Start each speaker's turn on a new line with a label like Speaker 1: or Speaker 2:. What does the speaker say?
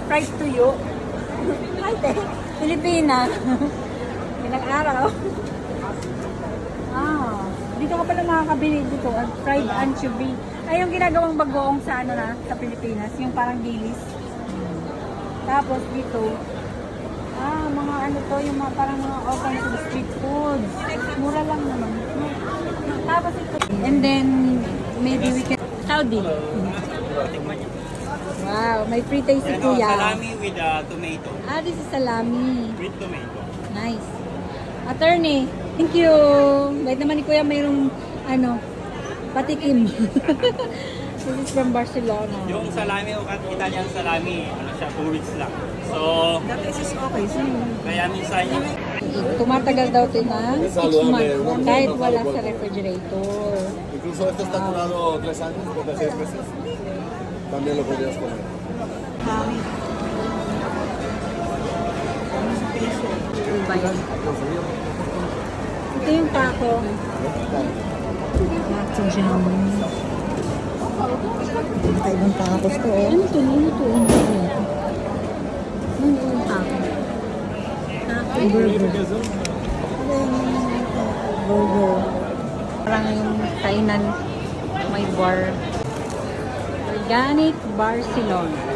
Speaker 1: fried tuyo. Ay, Pilipina. Ilang araw. Dito ka pala makakabili dito. Fried anchovy. Ay, yung ginagawang bagoong sa ano na, sa Pilipinas. Yung parang dilis. Tapos dito, mga ano to, yung mga, parang mga alternative street foods. Mura lang naman. Tapos ito. And then, maybe we can... Saudi. Wow, may free taste si Kuya.
Speaker 2: Salami with tomato.
Speaker 1: This is salami.
Speaker 2: With tomato.
Speaker 1: Nice. Attorney, thank you. Wait naman ni Kuya, mayroong patikim. This is from Barcelona.
Speaker 2: Yung salami, o Italian salami, ano siya, 2 weeks lang. So,
Speaker 1: That is okay.
Speaker 2: kaya minsan yung
Speaker 1: Tumatagal daw ito ng 6 months kahit wala sa refrigerator.
Speaker 3: Incluso este está curado 3 años, desde 6 meses. También lo podrías comer.
Speaker 1: Ito yung taco.
Speaker 4: Ibang tacos to, oh.
Speaker 1: Ano ito? Ano ito? Ano yung taco? Taco.
Speaker 4: Burger.
Speaker 1: Parang yung kainan may bar. Organic Barcelona.